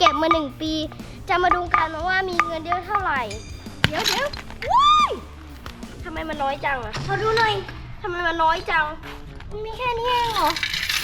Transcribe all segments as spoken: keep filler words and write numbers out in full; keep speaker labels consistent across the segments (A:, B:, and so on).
A: ก็บมาหนึ่งปีจะมาดูกันว่ามีเงินเยอะเท่าไหร่เดี๋ยวเดี๋ยวว้ายทำไมมันน้อยจังอะขอดูหน่อยทำไมมันน้อยจังมันมีแค่นี้เองเหรอ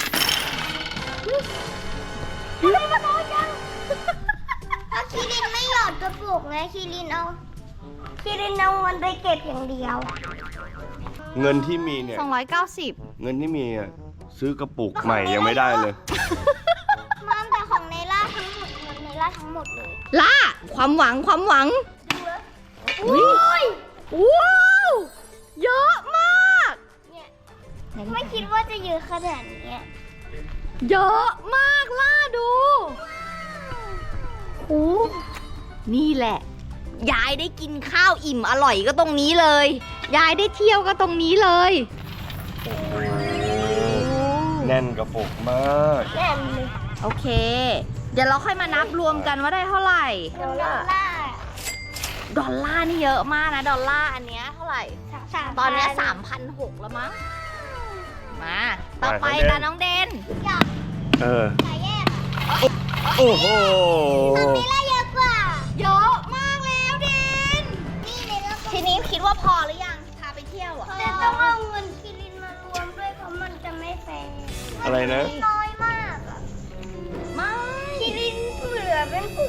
A: ทำไมมันน้อยจังเอาคีรินไม่หยอดกระปุกไงคีรินเอาคีรินเอาเงินไปเก็บอย่างเดียว
B: เงินที่มีเนี่ย
C: สองร้อยเก้าสิบ
B: เงินที่มีอ่ะซื้อกระปุกใหม่ยังไม่ได้เลย
A: มันแต่ของในล่าทั้งหมดเงินในล่าทั้งหมดเลย
C: ล่าความหวังความหวัง
A: อุ้ย
C: ว้าวเยอะมาก
A: เนี่ยไม่คิดว่าจะเยอะขนาดนี้
C: เยอะมากล่าดูโอ้นี่แหละ ยายได้กินข้าวอิ่มอร่อยก็ตรงนี้เลย ยายได้เที่ยวก็ตรงนี้เลย
B: แน่นกระปุกมาก
A: แน่นเลย
C: โอเค เดี๋ยวเราค่อยมานับรวมกันว่าได้เท่าไหร่
A: ดอลลาร์
C: ดอลลาร์นี่เยอะมากนะ ดอลลาร์อันเนี้ยเท่าไหร่
A: สาม
C: ตอนเนี้สามพันหกแล้วมั้ง มา ต่อไปตาน้องเดน
A: อยาก
B: เออ
A: ขายแยก
B: โอ้โห
A: ทำนี้ละเยอะกว่า
C: เยอะมากแล้วเดน
A: นี่เลยแล้ว
C: ทีนี้คิดว่าพอหรือยัง พาไปเที่ยวอ่ะ
A: แต่ต้องเอาเงินคิรินมารวมด้วยเพราะมันจะไม่แฟร์
B: อะไรนะ
A: มันน้อยมากอะ
C: ไม่
A: คิรินเหลือเป็นปุก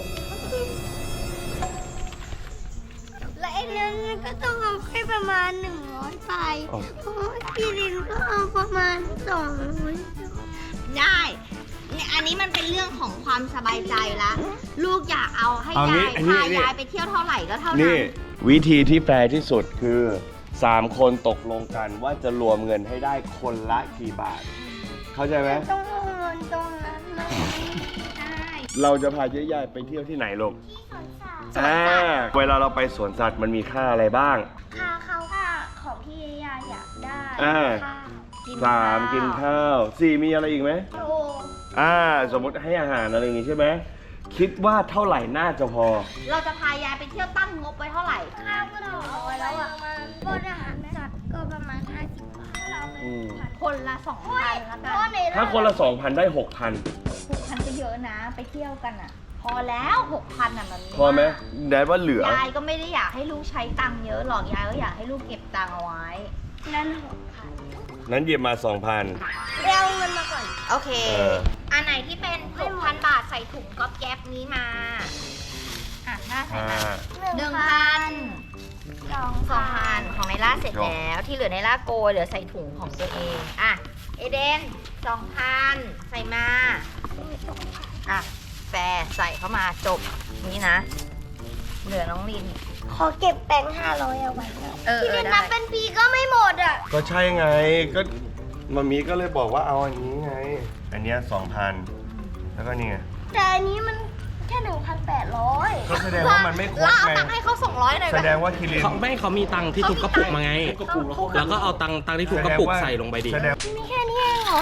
A: และไอ้นั้นก็ต้องเอาแค่ประมาณหนึ่งร้อยไป
B: อ๋อ
A: เพราะว่าคิรินก็เอาประมาณสองร้อย
C: ได้เนี่ยอันนี้มันเป็นเรื่องของความสบายใจละ ลูกอยากเอาให้
B: เอางี้
C: ยาย
B: อันนี้
C: พา
B: อันนี้
C: ยายไปเที่ยวเท่าไหร่ก็เท่านั้
B: นี่
C: น
B: วิธีที่แฟร์ที่สุดคือสามคนตกลงกันว่าจะรวมเงินให้ได้คนละกี่บาท เข้าใจไหม
A: ต้องเอาเงินตรงนั้นมา
C: ได้
B: เราจะพาเจ๊ยายไปเที่ยวที่ไหนลูก
A: ที่สวนสัตว์
B: อ่าเวลาเราไปสวนสัตว์มันมีค่าอะไรบ้าง
A: ค่าเขาค่าของที่ยายอยากได้
B: อ่า
A: ค่า
B: สามกินข้าวสี่มีอะไรอีกไหม
A: โล
B: อ่า สมมติให้อาหารอะไรอย่างงี้ใช่ไหมคิดว่าเท่าไหร่น่าจะพอ
C: เราจะพายายไปเที่ยวตั้งงบไว้เท่าไหร่
A: ข้าวก็ต้องเอาไว้แล้วอ่ะบนอาหารสัตว์ก็ประมาณห้าสิบบาทเราไป
B: อืม
C: คนละสองพันละกัน
A: เพราะใน
B: ถ้าคนละสองพันได้หกพัน
C: หกพันก็เยอะนะ ไปเที่ยวกันอ่ะ พอแล้วหกพันอ่ะมัน
B: พอไหมแดดว่าเหลือ
C: ยายก็ไม่ได้อยากให้ลูกใช้ตังค์เยอะหรอก ยายก็อยากให้ลูกเก็บตังค์เอาไว้
A: นั่นหกพัน
B: นั้นหยิบมาสองพัน
A: ไปเอาเงินมาก่อน
C: โอเค
B: เออ
C: อันไหนที่เป็นหกพันบาทใส่ถุงก๊อบแก๊บนี้มา อ่ะหน้าใส่
B: อ่า
C: มาหนึ่งพัน
A: สอง
C: สองพันของในล่าเสร็จ
B: จบ
C: แล้ว ที่เหลือในล่าโกยเหลือใส่ถุงของตัวเอง อ่ะ เอเดนสองพันใส่มา อ่ะ แฟร์ใส่เข้ามาจบ นี่นะ เหลือน้องลิน
A: ขอเก็บแบงค์ห้าร้อยเอาไว้หน่อย
C: เออ
A: ที่
C: เออ
A: เป็น
C: ได้
A: นับเป็นปีก็ไม่หมดอ่ะ
B: ก็ใช่ไง ก็มามีก็เลยบอกว่าเอาอันนี้ไง อันเนี้ยสองพันแล้วก็นี่ไง
A: แต่อันนี้มันแค่หนึ่งพันแปดร้อย
B: ก็แสดงว่ามันไม่ครบ
C: ล่าเอา
B: ไง
C: ตังค์ให้เขาสองร้อยหน่อย
B: แส
C: ไป
B: ดงว่าคิริน
D: เขาไม่เขามีตังค์ที่ทุบกระปุกมาไง แล้วก็เอาตังค์ตังค์ที่ทุบกระปุกใส่ลงไปดิ
B: แสดง
A: มีแค่นี้เองเหรอ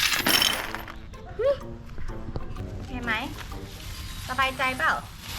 C: ใช่ไหม สบายใจเปล่า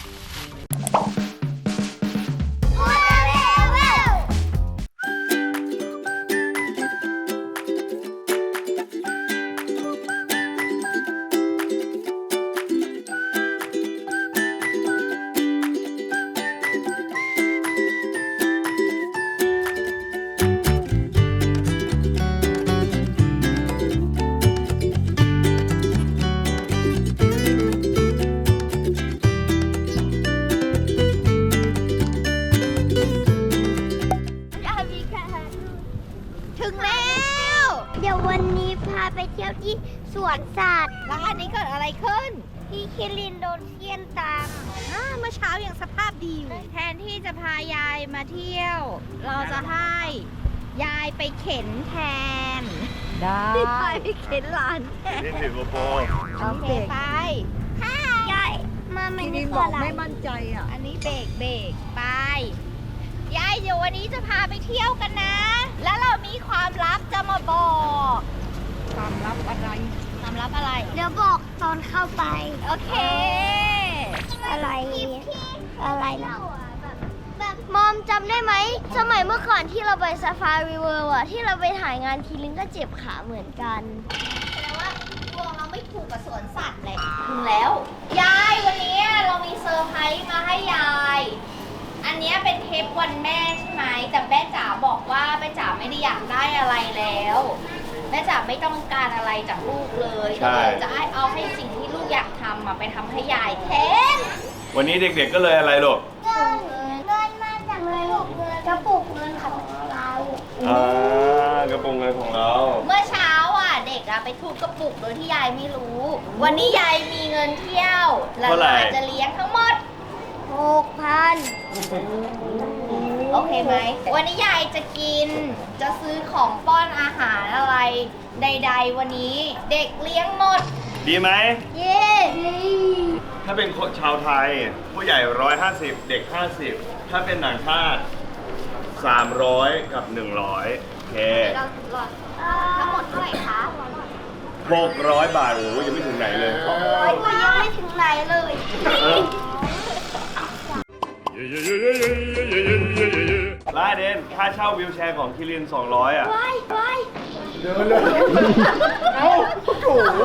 C: ถึงแล้ว
A: เดี๋ยววันนี้พาไปเที่ยวที่สวนสัตว์
C: แล้วอันนี้เกิดอะไรขึ้น
A: ที่คิรินโดนเคี่ยนตาม
C: อ่าเมื่อเช้ายังสภาพดีอยู่ แทนที่จะพายายมาเที่ยว เราจะให้ยายไปเข็นแทน ได้ยายไปเข็นหลานแทน
B: นี่ถือโกโปร
C: โอเคไป
A: ค่ะยายมาไม่ได้
C: บอกไม่มั่นใจอ่ะ อันนี้เบรกเบรกไป ยายเดี๋ยววันนี้จะพาไปเที่ยวกันนะ แล้วเรามีความลับจะมาบอก ความลับอะไร ความลับอะไร
A: เดี๋ยวบอกตอนเข้าไป
C: โอเค
A: อะไรอะไรนะแบบมอมจำได้ไหม สมัยเมื่อก่อนที่เราไปซาฟารีเวิลด์อะที่เราไปถ่ายงานคิรินก็เจ็บขาเหมือนกัน
C: แสดงว่าดวงเราไม่ถูกกับสวนสัตว์เลยถึงแล้ว ยายวันนี้วันแม่ใช่ไหมแต่แม่จ๋าบอกว่าแม่จ๋าไม่ได้อยากได้อะไรแล้วแม่จ๋าไม่ต้องการอะไรจากลูกเลย
B: ใช่
C: เลยจะให้เอาให้สิ่งที่ลูกอยากทำอะไปทำให้ยายแทน
B: วันนี้เด็กๆก็เลยอะไรลูก
A: เงินเงินมาจากกระปุกเงินกระปุกเงินของเรา
B: อ่ากระโปรงเงินของเรา
C: เมื่อเช้าอ่ะเด็กอ่ะไปทุบกระปุกโดยที่ยายไม่รู้ วันนี้ยายมีเงินเที่ยวแล้ว
B: เท่าไหร่
C: ยายจะเลี้ยงทั้งหมด
A: หกพัน
C: โอเคไหม วันนี้ยายจะกิน จะซื้อของป้อนอาหารอะไร ใด ๆ วันนี้เด็กเลี้ยงหมด
B: ดีไหม
A: เย้
B: ถ้าเป็นคนชาวไทย ผู้ใหญ่ร้อยห้าสิบเด็กห้าสิบถ้าเป็นต่างชาติสามร้อยกับหนึ่งร้อยโอเค
C: ทั้งหมดเท่าไหร่คะ
B: หกร้อยบาทโอ้ยยังไม่ถึงไหนเลย
A: ร้อยก็ยังไม่ถึงไหนเลย
B: เออลาเดนค่าเช่าวิวแชร์ของคิรินสองร้อยอ่ะ
A: ไปไป
B: เดินเลยเอ้าโอ้โห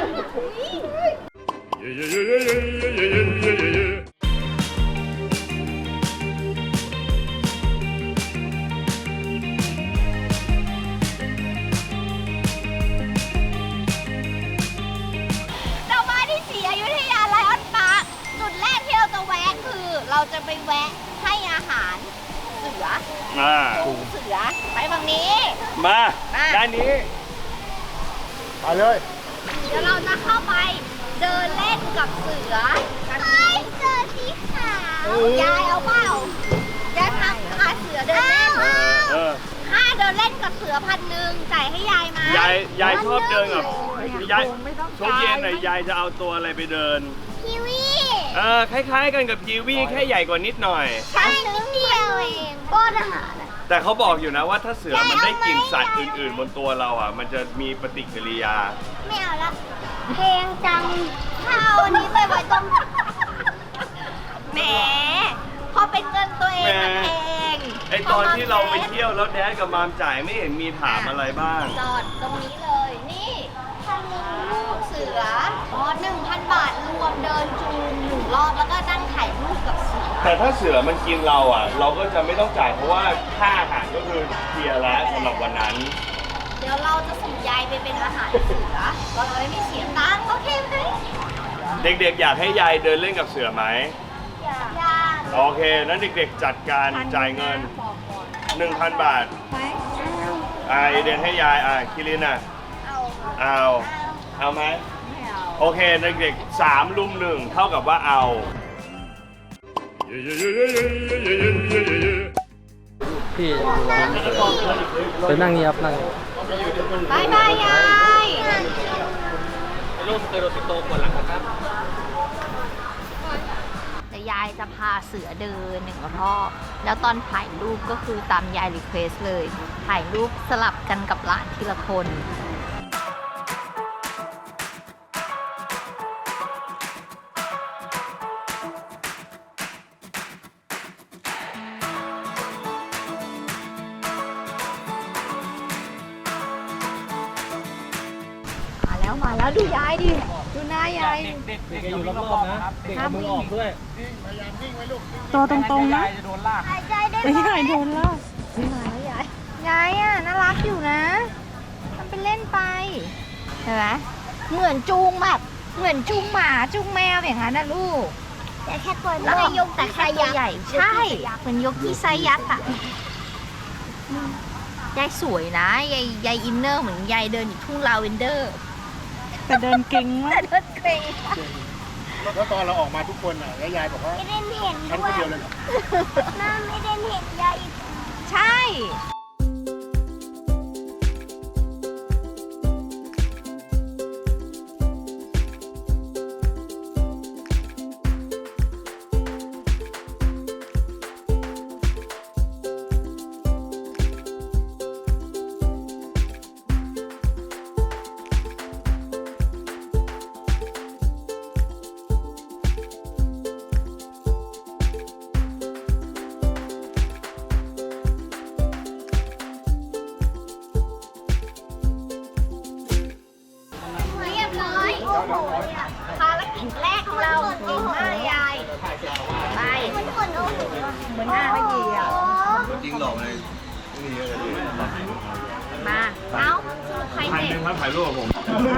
C: เรามาที่ศรีอยุธยาไลออนปาร์คจุดแรกที่เราจะแวะคือ เราจะไปแวะให้อาหารเสือ
B: มา
C: ปูเสือไปฝั่งนี้
B: มา
C: มา
B: ด้านนี้ไปเลย
C: เดี๋ยวเราจะเข้าไปเดินเล่นกับเสือกัน
A: ไปเจอสีขา
C: นี้
A: วย
C: ายเอาเปล่าจะทำพาเสือเดินเล่น
B: เออเออ
C: ค่าเดินเล่นกับเสือพันหนึ่งจ่ายให้ยายไหม
B: ยายยายชอบเดินกับยาย
C: ไม่ต้อง
B: ช่วงเย็นไหนยายจะเอาตัวอะไรไปเดิน
A: ทีวี
B: เออคล้ายๆกันกับกีวีแค่ใหญ่กว่านิดหน่อย
A: ใช่นิดเดียวเองป้อนอาหารอะ
B: แต่เขาบอกอยู่นะว่าถ้าเสือมันได้กลิ่นสัตว์อื่นๆ บนตัวเราอ่ะ มันจะมีปฏิกิริยา
A: ไม่เอาละเพลงจังถ้าเอาอันนี้ไปไว้ตรง
C: แหมพอเป็นเงินตัวเองมัน
B: แหม
C: เอง
B: ไอตอนที่เราไปเที่ยวแล้วแดดกับมามจ่ายไม่เห็นมีถามอะไรบ้าง
C: จอดตรงนี้เลย นี่คันนี้ลูกเสืออ๋อหนึ่งพันบาทรวมเดินจูงหนึ่งรอบแล้วก็นั่งถ่ายรูปกับเสือ
B: แต่ถ้าเสือมันกินเราอ่ะ เราก็จะไม่ต้องจ่ายเพราะว่าค่าอาหารก็คือเคลียร์แล้วสำหรับวันนั้น
C: เดี๋ยวเราจะส่งยายไปเป็นอาหารเสือเราจะไม่เสียตังค์โอเคไหม
B: เด็กๆ อยากให้ยายเดินเล่นกับเสือไหม
A: อย่าอย่า
B: โอเคนั้นเด็กๆ จัดการจ่ายเงิน หนึ่งพัน บาทอ่าเดนให้ยายอ่าคิรินอ่ะ
C: เอา
B: เอา เอาไหม
C: ไม่เอา
B: โอเคเด็กๆสามลุมหนึ่งเท่ากับว่าเอา
D: พี่ไปนั่งนี่ครับนั่ง
C: บายบายยาย
D: ลูกเคยโดนปิโตปวดหลังนะครับ
C: แต่ยายจะพาเสือเดินหนึ่งรอบ แล้วตอนถ่ายรูปก็คือตามยายรีเควสเลย ถ่ายรูปสลับกันกับหลานทีละคน มาแล้วมาแล้วดูยายดิ ดูหน้ายาย
D: เด็กๆอยู่รอบๆนะ เด็กเอามือออกด้วย
E: ตัวตรงๆนะ
A: หายใจได้
E: ไม่
A: ไหม
E: ใช่โดนลาก
C: มาแล้วยาย ยายอ่ะน่ารักอยู่นะทำเป็นเล่นไป เห็นไหมเหมือนจูงแบบ เหมือนจูงหมาจูงแมวอย่างนั้นนะลูก
A: แต่แค่ตัว
C: แล้ว
A: ไม่
C: ก็ยกแต่แค่ตัวใหญ่ ใช่ เหมือนยกที่ไซยักษ์อ่ะอืมยายสวยนะ ยายยายอินเนอร์เหมือนยายเดินอยู่ทุ่งลาเวนเดอร์
E: แต่เดินเก่งมา
C: แต่
E: ก
C: เดินเกรง
F: แล้วตอนเราออกมาทุกคนอ่ะแล้วยายบอกว่า
A: ไม่ได้เห็น
F: ฉัน
A: ด้
F: ค
A: วน ย
F: เดียวเลยเหรอ
A: น้าไม่ได้เห็นยายอีก
C: ใช่
B: เยอะเลย
C: มา เอ้าใคร
B: พัน
C: เด็
B: หนึ่
C: ก
B: งครับถ่ายรูปกับผม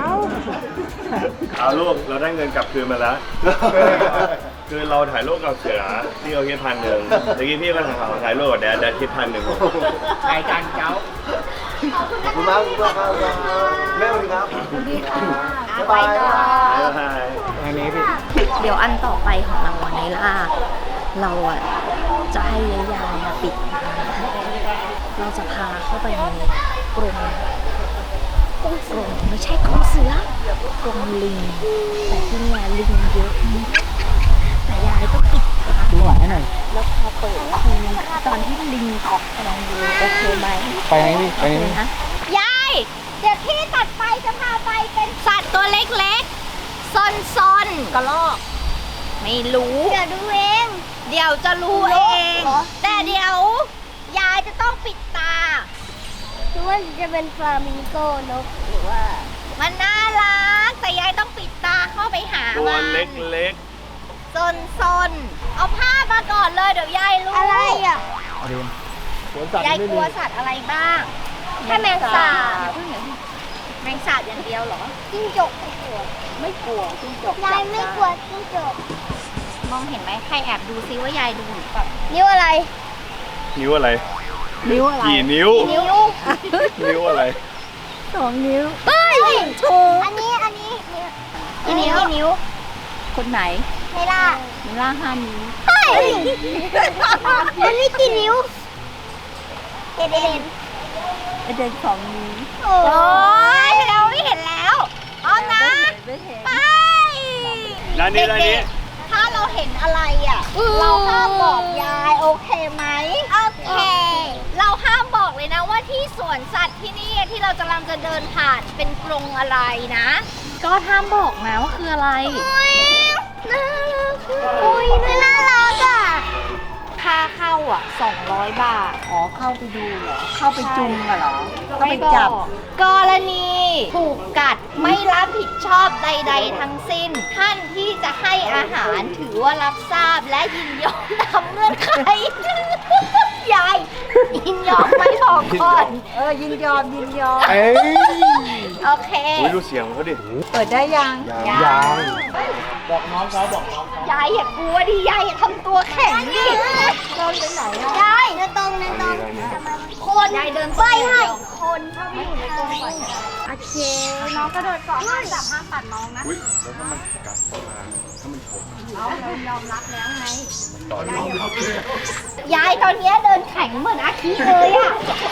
B: เอาลูกเราได้เงินกลับคืนมาแล้ว คือเราถ่ายรูปกับเสือที่เขาคิดพันหนึ่งเมื่อกี้พี่ก็ถ่ายถ่ายรูปกับแดดแดดคิดพันหนึ่ง
F: ถ่ายจานเจ้า
B: ขอบคุณมากคุณมากครับแม่สวัสดีครับ
C: อ่ะไปต่อ
F: อันนี้พี่
C: เดี๋ยวอันต่อไปของเราวันนี้ล่ะ เราอ่ะจะให้ยายายมาปิดตาเราจะพาเข้าไปในกรงกรงกรงไม่ใช่กรงเสือกรงลิง แต่ที่เนี่ยลิงเยอะมากแต่ยายต้องปิดตา
F: ดูหลังให้หน่อย
C: แล้วพอเปิดทีตอนที่ลิงออกกำลังดูโอเคไหม
F: ไปไหนพี่ไปไหน
C: นะยายเดี๋ยวที่ตัดไปจะพาไปเป็นสัตว์ตัวเล็กๆซนๆกระรอกไม่รู้
A: เดี๋ยวดูเอง
C: เดี๋ยวจะรู้เอง
A: เหรอ
C: แต่เดี๋ยวยายจะต้องปิดตา
A: ดูว่าจะเป็นฟลามิงโกนกหรือว่า
C: มันน่ารัก แต่ยายต้องปิดตาเข้าไปหา
B: ตัว
C: มัน
B: เล็ก
C: ซนซนๆเอาผ้ามาก่อนเลยเดี๋ยวยายรู้
A: อะไรอ่ะ
F: เอาดิสวนสัตว์
C: ยาย
F: ไม่
C: ก
F: มี
C: ลัวสัตว์อะไรบ้าง
A: แค่แมงสาบ
C: แมงสาบอย่างเดียวเหรอ
A: จิ้งจกไม่กลัว
C: ไม่กลัวจิ้งจก
A: ยายไม่กลัวจิ้งจก
C: มองเห็นไหมใครแอบดูซิว่ายายดูหรือเปล่า
A: นิ้วอะไร
B: ๆ นิ้วอะไร
E: นิ้วอะไร
B: กี่นิ้ว
A: นิ้ว
B: นิ้วอะไร
E: สองนิ้ว
A: เฮ้ยถูกอันนี้อันนี้นิ้วอันนี้กี่นิ้ว
E: คนไหน
A: ไม่ล่ะ
E: มิล่าห้านิ้ว
A: เฮ้ยอันนี้กี่นิ้วเอ็ดเอ็น
E: ไอเดนสองนิ้ว
A: โอ้
C: โอ้ยเราไม่เห็นแล้วเอานะ
E: ไม่เห็น
C: ไป
B: ด้านนี้ด้านนี้
C: เด็กๆถ้าเราเห็นอะไรอ่ะ เราห้ามบอกยายโอเคไหม
A: โอเค
C: เราห้ามบอกเลยนะว่าที่สวนสัตว์ที่นี่ที่เรากำลังจะเดินผ่านเป็นกรงอะไรนะ ก็ห้ามบอกนะว่าคืออะไร
A: น่ารักอุ้ยไม่น่ารักอ่ะ
C: ค่าเข้าอ่ะสองร้อยบาท
E: อ๋อ เข้าไปดูเหรอ เข้าไปจุงอะเหรอ ก็ไป
C: ไม่บ
E: จับ
C: อกกรณีถูกกัดไม่รับผิดชอบใด ๆ ทั้งสิ้น ท่านที่จะให้อาหารถือว่ารับทราบและยินยอมตามเงื่อนไข ยายยินยอมไม่บอกก่อน
E: เออ ยินยอม ยินยอม
F: เอ้ย
C: โอเค
B: อุ้ยดูเสียงเขาดิ
E: เปิดได้ยัง
B: ยัง
F: ยางบอกน้องเขาบอกน้องเขา
C: ยายอย่ากลัวดิยายอย่าทำตัวแข็งดิ
A: เดินไปไหนอ่ะยายเดินตรงเดินตรง
C: คนยายเดิน
A: ไปให้
C: คนเข้าไปอยู่ในกรงก่อนโอเค น้องกระโดดเกาะห้ามจับห้ามปัดน้องนะ
B: อุ้ยแล้วถ้ามันกัดเข้ามาถ้ามันฉก
C: เอาเรายอมรับแล้วไง
B: ต่อยอมรับเลย
C: ยายตอนเนี้ยเดินแข็งเหมือนอาคีเลยอ่ะ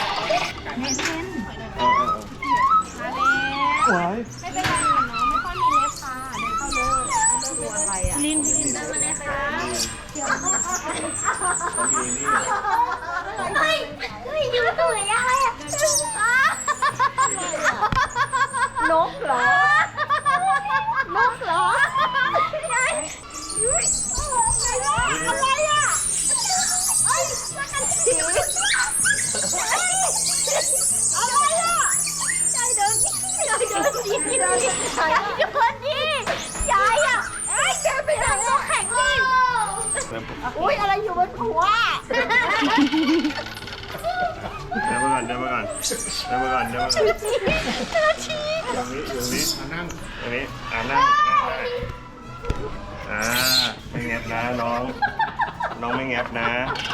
F: สวย
E: ลิ้น
A: เฮ้ยเฮ้ยนิ้วตัวยายอ่ะ
C: นกเหรอ นกเหรอ
A: ยายอะไรอ่ะเอ้ยมากันสิอะไรอ่ะยายเดินยายเดินดียายเดินดียายอ่ะเอ้ยแกไปทำตัวแข็งดิ
C: อุ้ยอะไรอยู่บนหัว
B: เดินมาก่อนเดินมาก่อนเดินมาก่อนเดินมาก่อนตรงนี้ตรงนี้
F: นั่ง
B: ตรงนี้อ่านั่งอ่าไม่แงบนะน้อง น้องไม่แงบนะ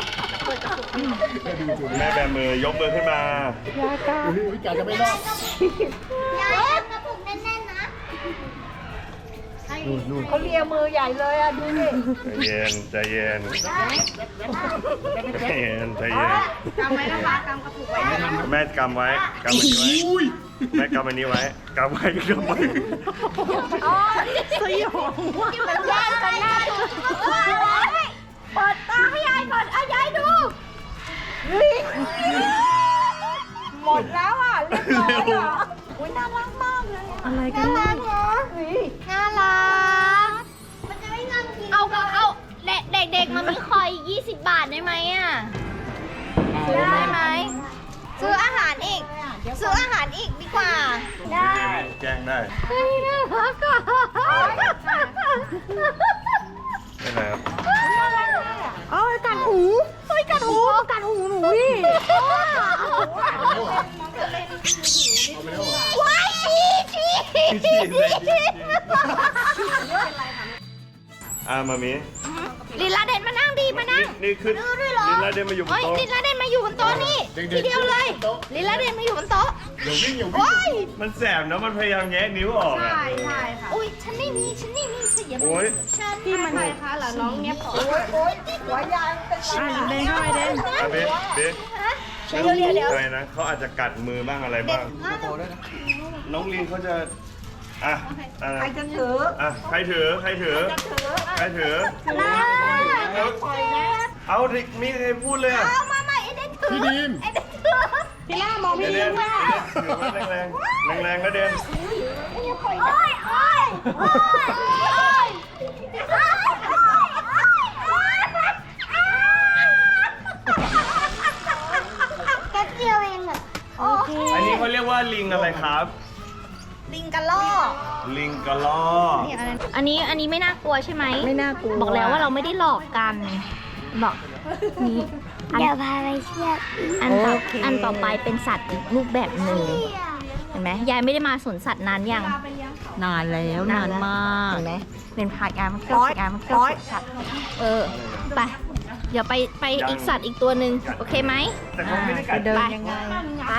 B: แม่แบมือยกมือขึ้นมา
F: อุ้ยจ่าจะไม่รอด
A: ยายกระปุกแน่นๆนะ
F: นู่นนู่น
E: เขาเลียมือใหญ่เลยอ่ะ ดูดิ
B: ใจเย็นใจเย็นใจเย็นใจเย็น
C: กำไว้นะคะกำกระปุกไว้
B: แม่กำไว้กำอันนี้ไว้แม่กำอันนี้ไว้กำไว้กำไว้
E: สยองว่ะ
C: มันแย่งกันหน้าดูเปิดตาให้ยายก่อนเอายายดู
E: หมดแล้วอ่ะ เรียบร้อยอ่ะอุ้ยน่ารักมากเลยอะอะไรกัน
A: น่ารักเหรอ
C: น่ารัก
A: มันจะไม่งอนกิน
C: เอาก็เอาเด็กเด็กๆมันมีคอยยี่สิบบาทได้ไหมอ่ะซื้อได้ไหมซื้ออาหารอีก ซื้ออาหารอีกดีกว่า
A: ได้
B: แจ้งได้
C: เฮ้ยน่ารักอ่ะ
B: ไม่นะครับ
E: เอ้ยกัดหูเฮ้ยกัดหูกัดหูหนูดิ
A: ว้ายชีชี
B: ฉีดเลยฉีดอ่ะมามี
C: ลินลาเดนมานั่งดีมานั่ง
B: นี่ขึ้นลินลาเดนมาอยู่บน
C: เฮ้ย
B: โต๊ะ
C: ลินลาเดนมาอยู่บนโต๊ะนี่ทีเดียวเลยลินลาเดนมาอยู่บนโต๊ะ
F: เดี๋ยววิ่งอย่าวิ่ง
C: โอ้ย
B: มันแสบนะมันพยายามแงะนิ้วออกอ่ะ
C: อุ้ยฉันไม่มีฉันไม่มีฉันอย่า
B: โอ้ย
C: ฉันที่มันไหนคะเหรอน้องเนี้ยขอ
E: หัวยางเป็น
A: อ่ะเดนเข้าไปเดน
B: อ่ะเบสเบสไม่ต้องพูดอะไรนะเขาอาจจะกัดมือบ้างอะไรบ้างน้องลินเขาจะอ่ะอ่ะ
E: ใครจะถือ
B: อ่ะใครถือใครถือใครถือเอาเอาดิมีใครพูดเลยอ่ะ
A: เอามาใหม่ไอเดนถือ
F: พี่ดีม
A: ไอเดนถือ
E: พี่ล่ามอง
B: เด
E: พี่
B: น
E: ดี
B: เดน
E: มว่า
B: ถือไว้แรงแรงแรงๆนะเดน
A: โอ้ยโอ้ยโอ้ยโอ้ยโอ้ยแค่เดียวเองอ่ะโอเค
B: อันนี้เขาเรียกว่าลิงอะไรครับ
C: ลิงกระลอก
B: ลิงกระลอก
C: อันนี้อันนี้ไม่น่ากลัวใช่ไหม
E: ไม่น่ากลัว
C: บอกแล้วว่าเราไม่ได้หลอกกันบอกนี่อัน
A: เดี๋ยวพาไปเที่ยว
C: อันต่ออันต่อไปเป็นสัตว์อีกรูปแบบหนึ่งเห็นไหมยายไม่ได้มาสวนสัตว์นานยัง
E: นานแล้วนานมาก
C: เห็นไหมเป็นพายายมันเกิดยายมันเกิดสัตว์เออไปเดี๋ยวไปไปอีกสัตว์อีกตัวหนึ่งโอเคไหม
B: แต่เขาไม่ได้กัด
E: เดิน
C: ไป
E: ยังไง
C: ไป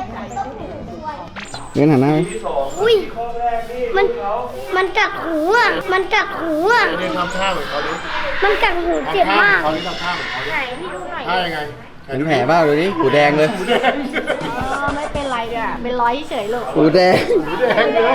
G: เดินหันหน้าไป
B: ที่สอง
A: อุ้ย
B: ข้อแรกนี่
A: มัน
B: เขา
A: มันกัดหูอ่ะ มันกัดหูอ่ะ
F: เดินทำท่าเหมือนเขาดิ
A: มันกัดหูเจ็บ
F: ทำท่าม
A: าก
F: เขาดิทำท่าเหมือนเขาดิ
A: ไหนพี่ดูหน่อย
F: ท่ายังไง
G: เห็นแผลเปล่าดูดิหูแดงเลย
F: หูแดง
C: ไม่เป็นไรอ่ะเป็นร้อยเฉยเลย
G: หูแดง
F: หูแดงเลย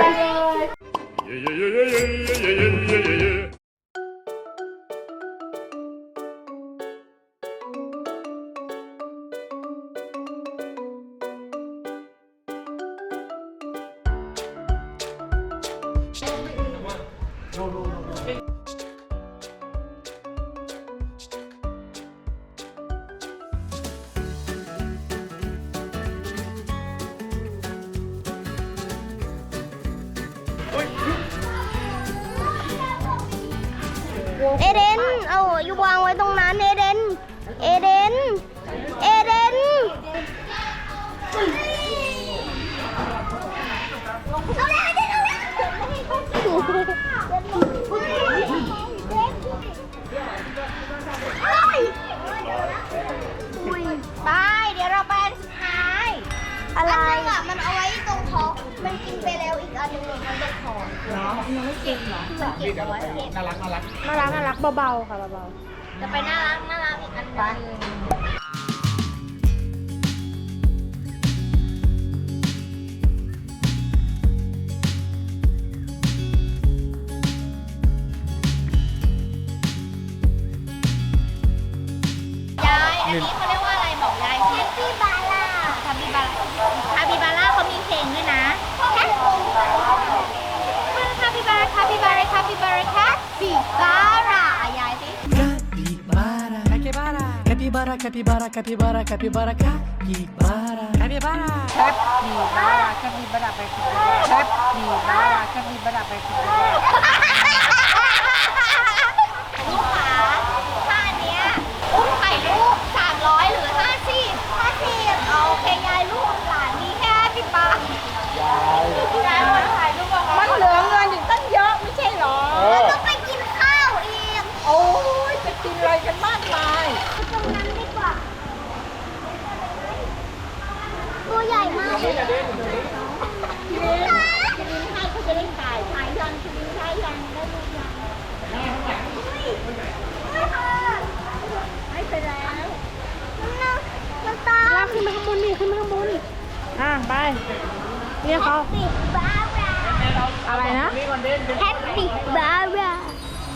A: เอเดน เอาอยู่วางไว้ตรงนั้นเอเดน เอเดน เอเดน เอาเลยเดนเอาเลยอุ้ย
C: ไปเดี๋ยวเราไปอันสุดท้าย
A: อะไรอ่ะ มันเอาไว้ตรงท้อง มันกินไปแล้วอีกอันหนึงมันตรงท้อง
E: น่ารักน่ารักเบาๆค่ะเบา
C: จะไปน่ารักน่ารักอีกอันหนึง ยาย อันนี้เขาเรียกว่าอะไรบอกยายสิ
A: พี่บาร่า
C: คาบิบาร่าคาบิบาร่าเขามีเพลงด้วยนะคาบิบาร่าคาบิบาร่าคาบิบาร่าคาบิบาร่าอ่ะยายสิ
H: Capybara, capybara, capybara, capybara, capybara, capybara, capybara.
E: ๆแคปดีบาราแคปดีบาราไปคุยแคปดีบาราแคปดีบาราไปคุย
C: ลูกขาท่าเนี้ยอุ้มไข่ลูกสามร้อยหรือห้าสิบห้าสิบเอาโอเคยายลูกหลานมีแค่สิบบาทยายวันถ่ายรูปกับเขา
E: มันเหลือเงินอีกตั้งเยอะไม่ใช่หรอ
A: ต้องไปกินข้าวอีก
E: โอ้ยจะกินอะไรกันมากมาย
A: ตรงนั้นดีกว่า ตัวใหญ่มากเลย
E: คิรินคิรินให้เขาจะเล่นถ่ายถ่ายยังคิรินถ่ายยังได้รูปยังให้ไปแล้ว
A: มันตาม
E: ขึ้นมาข้างบนนี่ขึ้นมาข้างบนอ่ะไปเรียกเขา
A: ปิดบาร่า
E: อะไรนะ
A: แฮปปี้บาร่า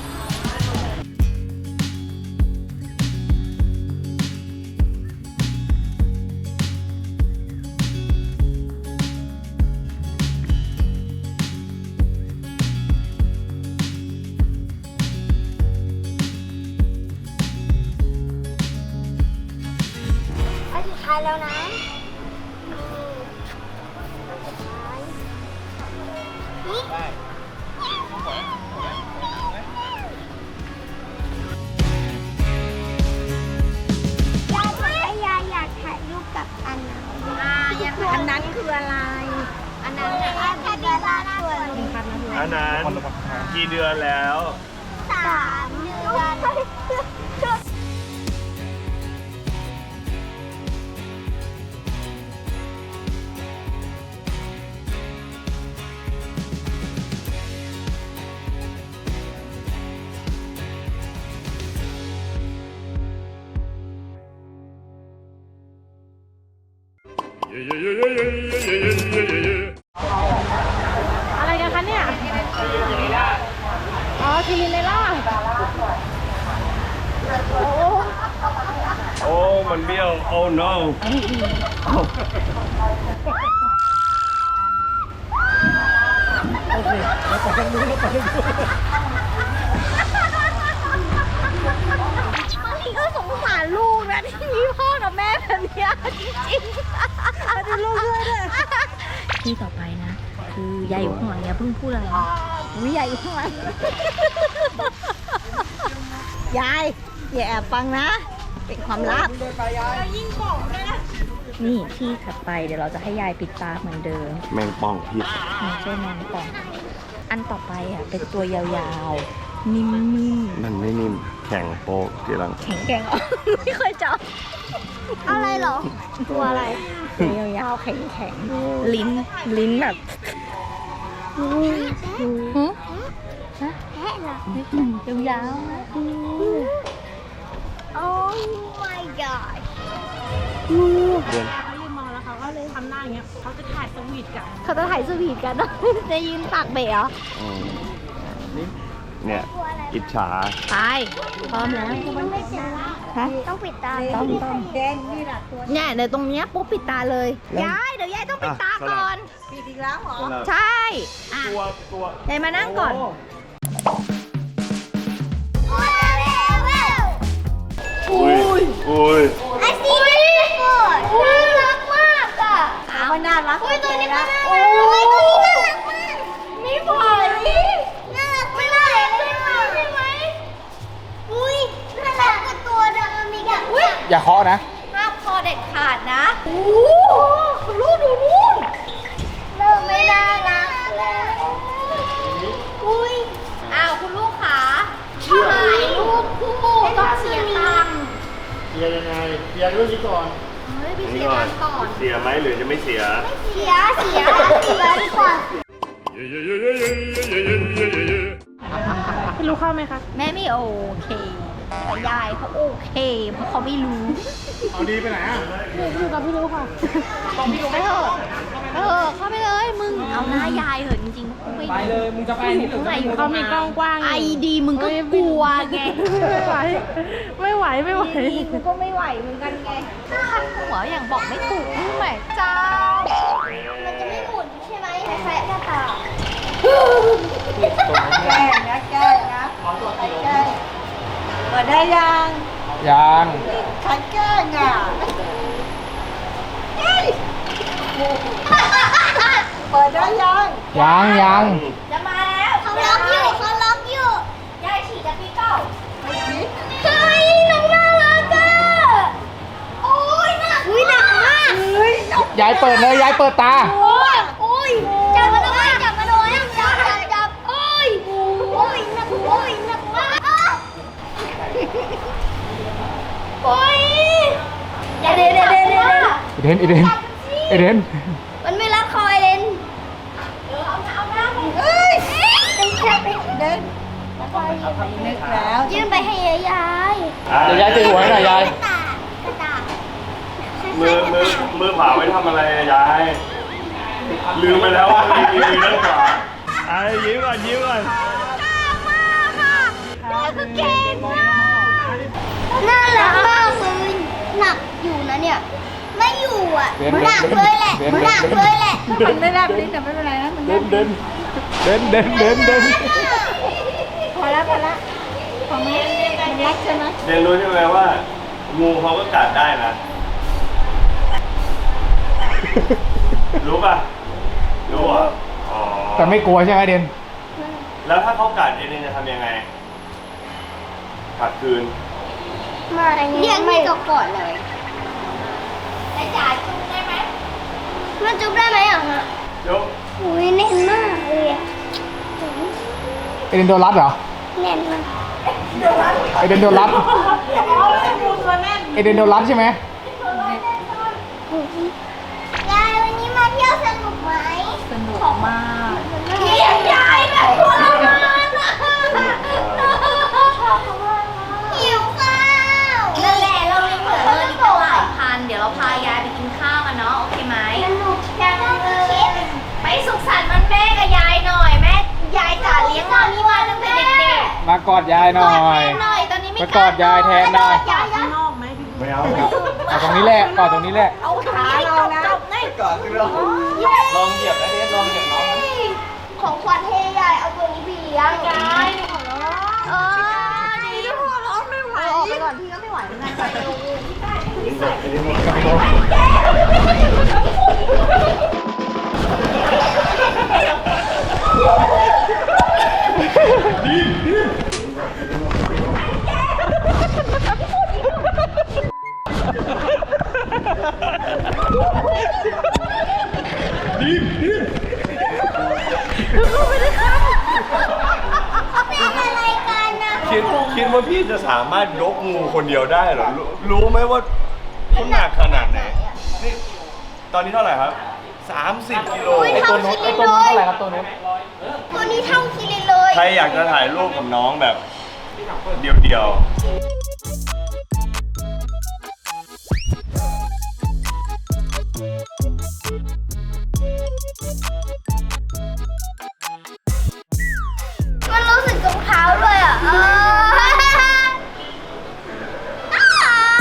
A: อันสุดท้ายแล้วนะนี่ยายบอกว่ายายอยาก
B: อันนั้นกี่เดือนแล้ว
A: สามเดือน
E: อะไรกันคะเนี่ย อ๋อคิรินเลยล่ะ
B: โอ้ มันเบี้ยว โอ้ no
A: บางทีก็สงสารลูกนะที่มีพ่อกับแม่แบบเนี้ยจริงๆดูลูกด้วยเลย
C: ที่ต่อไปนะ คือยายอยู่ข้างหลังอย่าเพิ่งพูดอะไรวิยายอยู่ข้างหลัง ยายอย่าแอบฟังนะ เป็นความลับนี่ที่ถัดไปเดี๋ยวเราจะให้ยายปิดตาเหมือนเดิม
B: แมงป่องพิษ
C: ไม่ใช่แมงป่อง อันต่อไปอ่ะเป็นตัวยาวๆ นิ่ม
B: มันไม่นิ่ม แข็งโป๊กทีหลัง
C: ๆ แข็งแกร่ง ไม่เคยจับ
A: อะไรเหรอ ตัวอะไร
C: ตัวยาวๆ แข็งๆ ลิ้น ลิ้นแบบหึ
A: แพะเหรอ
C: ยาวๆนะ
A: โอ้ my god
B: เดือน
E: เขายืนมองแล้วเขาก็เลยทำหน้าอย่างเงี้ย เขาจะถ่ายสวีทกัน
C: เขาจะถ่ายสวีทกัน จะยืนตากเบะเหรอ
B: อืมเนี่ย อิจฉา
C: ไปพร้อมแล้ว
A: มันไม่จ้า
C: ฮะ
A: ต้องปิดตา
C: ต้องต้องเนี่ยเดี๋ยวตรงเนี้ยปุ๊บปิดตาเลย ยาย เดี๋ยวยายต้องปิดตาก่อน
E: ปิดอีกแล้วเหรอ
C: ใช่อ่ะ
B: ตัวตัวย
C: ายมานั่งก่อน
B: อุ้ยอุ้ย
A: ไอซีนี่ก่อนน่ารักมากอ่ะ
C: เอาน่ารัก
A: อุ้ยตัวนี้ก็น่ารักโอ้ยตัวนี้น่ารักมากมีผอยน่ารักไม่น่ารักใช่ไหมใช่ไหมอุ้ยน่ารักกว่าตัวเดิมอีกอ่ะอุ้ย
G: อย่าเคาะนะ
C: ห้ามคอเด็ดขาดนะ
A: โอ้ลูกดูนู่นเริ่มไม่น่ารักแล้วอุ้ย
C: อ้าวคุณลูกขาถ่ายรูปคู่ต้องเสียตังค์
F: เคลียร์ยังไงเคลียร์เรื่องนี้ก่อน
C: เฮ้ยไป
B: นี่
C: เสีย
B: ก่อ
C: ตั
B: น
C: งค์ก่อน
B: เสียไหมหรือจะไม่เสีย
A: เสียเสียเสียดีกว่า
E: พี่รู้เข้าไหมคะ
C: แม่ไม่โอเคแต่ยายเขาโอเค เพราะเขาไม่รู้
F: เอาดีไปไหนอ่ะ
E: อยู่กับพี่รู้ค่ะ
C: ไปเถอะเออเข้าไปเลยมึง เอาหน้ายายเหอะจริงๆไม่
D: ไปเลย มึงจะไปอันนี้หรือ
C: ข้างในอยู่
E: เขามีกล้องกว้าง
C: ไอดีมึงก็กลัวไง
E: ไม่ไหว ไม่ไหว ไม่ไหว
C: ดีกูก็ไม่ไหวเหมือนกันไงคันหัวอย่างบอกไม่ถูกนี่แหม่เจ้า
A: มันจะไม่หมุนใช่ไหมคล้ายๆหน้าตา
E: แกล้งนะแกล้งนะแกล้งเปิดได้ยัง
G: ยัง
E: ใครแกล้งอ่ะเปิดได้ยัง
G: ยังยัง
C: จะมาแล้ว
A: เขาล็อกอยู่เขาล็อกอยู่
C: ยายฉี่จะพี่เก้า
A: เฮ้ยน้องน่ารักอ่ะโอ้ยหนักอุ้ยหนักมาก
G: ยายเปิดเลยยายเปิดตา
A: โอ้ยโอ้ยจับมาหน่อยจับมาหน่อยจับจับจับโอ้ยโอ้ยหนักโอ้ยหนักมากอ่ะโอ้ยอย่าเด็ดเด็ดเด็ดเด็ด
G: เอเดนเอเดนเอเดน
A: มันไม่รักคอยเลนเออเอาหน้าเอาหน้าเฮ้ยเป็นแค่ไปเดินแล้วก็ยืนไป
E: แล้ว
A: ยื่นไปให้ยาย
G: เดี๋ยวยายตีหัวให้หน่อยยาย
A: กระตากกระตาก
B: มือมือมือขวาไว้ทำอะไรอะยาย ลืมไปแล้วว่ามีมือด้านขวาไอ้ยิ้มก่อนยิ้มก่อน
A: ยายคือเก่งมากน่ารักมากเลยหนักอยู่นะเนี่ย ไม่อยู่อ่ะ
G: เว้น
A: หนักเลยแหละ
G: เว้น
A: หนักเลยแหละ
E: มันไม่แลบลิ้นแต่ไม่เป็นไรนะมัน
G: เดินเดินเดินเดินเดินเดิน
E: พอแล้วพอแล้วพอไหมมันรักใช่ไหม
B: เรียนรู้ใช่ไหมว่า งูเขาก็กัดได้นะ รู้ป่ะ รู้อ่ะอ๋อ
G: แต่ไม่กลัวใช่ไหมเดน
B: แล้วถ้าเขากัดเอเดนจะทำยังไง กัดคืน
A: มาเรียกไม่ก็กอดเลยแต่จ่ายจุ๊บได้ไหมมันจุ๊บได้ไหมอ่ะฮะ
B: ยก
A: อุ้ยเน่นมากเลยอ่ะจุ๊
G: เอเดนโดนรัดเหรอ
A: แน่นมาก
G: เอเดนโดนรัดเอเดนโดนรัดใช่ไหม
A: ยายวันนี้มาเที่ยวสนุกไหม
E: สนุกมาก
A: เลี้ยงยายแบบทรมานอะหิวข้าว
C: นั่นแหละเรายังเหลือเงินอีกตั้งหลายพัน เดี๋ยวเราพายายไปกินข้าวกันเนาะโอเคไหม
A: สนุกจังเลย
C: ไปสุขสันต์วันแม่กับยายหน่อยแม่ยายจ๋าเลี้ยงเรานี่มาตั้งแต่เด็ก
G: มากอดยาย
C: ๆ
G: หน่อย
C: หน่อยตอนนี้ไม่
G: มากอดยายแทนหน่อย
C: ยายยาย
G: ไม่เอาครับเอาตรงนี้แหละกอดตรงนี้แหละ
C: เอาขาเรานะจบๆเลย
B: ก่อนสิเราลองเหยียบนะเดนลองเหยียบน้องนะ
A: ของขวัญให้ยายเอาตัวนี้ไปเลี้ยงยายเออดีหัวร้อนไม่ไหวออกไปก่อนพี่ก็ไม่ไหวเหมือนกันไปดู เป็นอะไรกันนะ
B: คิดคิดว่าพี่จะสามารถยกงูคนเดียวได้เหรอ รู้รู้ไหมว่าเขาหนักขนาดไหน นี่ ตอนนี้เท่าไหร่ครับ สามสิบกิโล
A: ไอ้ตัวนู้นไอ้ตัวนู้นเท่าไหร่ครับตัวนู้นตัวนี้เท่าคิรินเลย
B: ใครอยากจะถ่ายรูปกับน้องแบบเดียวๆ
A: มันรู้สึกตรงเท้าเลยอ่ะเอออ้า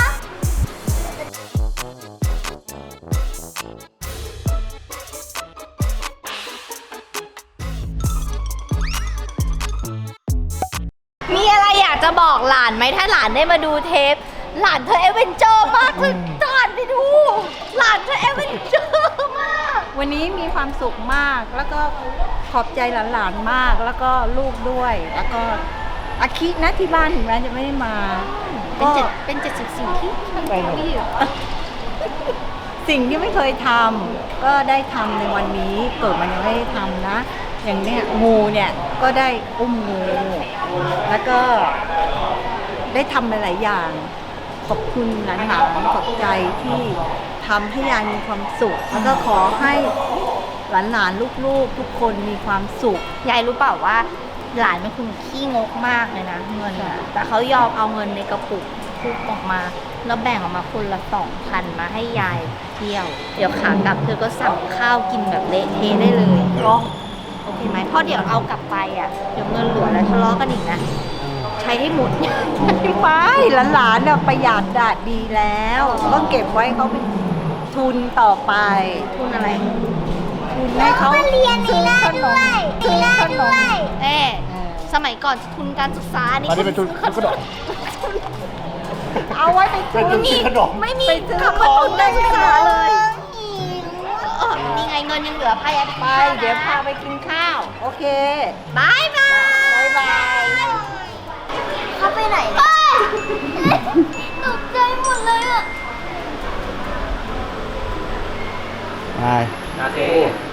C: มีอะไรอยากจะบอกหลานไหมถ้าหลานได้มาดูเทป หลานเธอเอเวนเจอร์มากคือหลานไปดู หลานเธอเอเวนเจอร์มาก
E: วันนี้มีความสุขมาก แล้วก็ขอบใจหลานๆมาก แล้วก็ลูกด้วย แล้วก็อาคินะที่บ้านถึงแม้จะไม่ได้มา
C: เป็นเจ็ดเป็นเจ็ดสิบสิ่งที่ไม่อยู่
E: สิ่งที่ไม่เคยทำก็ได้ทำในวันนี้เกิดมันยังไม่ได้ทำนะ อย่างเนี้ยงูเนี่ยก็ได้อุ้มงูแล้วก็ได้ทำหลายๆอย่างขอบคุณหลานๆขอบใจที่ทำให้ยายมีความสุข แล้วก็ขอให้หลานๆลูกๆทุกคนมีความสุข
C: ยายรู้เปล่าว่าหลานเป็นคนขี้งกมากเลยนะเงินอะแต่เขายอมเอาเงินในกระปุกทุบออกมาแล้วแบ่งออกมาคนละสองพันมาให้ยายเที่ยว เดี๋ยวขากลับเธอก็สั่งข้าวกินแบบเละเทะได้เลยโอเคไหมเพราะเดี๋ยวเอากลับไปอ่ะเดี๋ยวเงินเหลือแล้วทะเลาะกันอีกนะใช้ให้หมด
E: ไม่หลานๆเนี่ยประหยัดดาดดีแล้วก็เก็บไว้เขาเป็นทุนต่อไป
C: ทุนอะไร
E: ทุนให้เขา
A: มาเรียนนี่ได้ด้วย
E: ซื้
A: นี่
E: อ
A: ได้
E: ขน
A: ด้
E: ม
A: วย
C: เอ๊สมัยก่อนทุนการศึกษานี่
G: อันนี้เป็นทุนทุนขนม
E: เอาไว้ไป
G: เป็นทุนซื้อขนม
C: ไม่มี
E: ไปซื้อ
C: คำว่าทุนการศึกษาเลย
A: หิว
C: เออนี่ไงเงินยังเหลือพายาย
E: ไป เดี๋ยวพาไปกินข้าว โอเค
C: บายบาย
E: บ๊ายบาย
A: เขาไปไหนเนี่ยตกใจหมดเลยอ่ะ
G: ไป
D: โอเค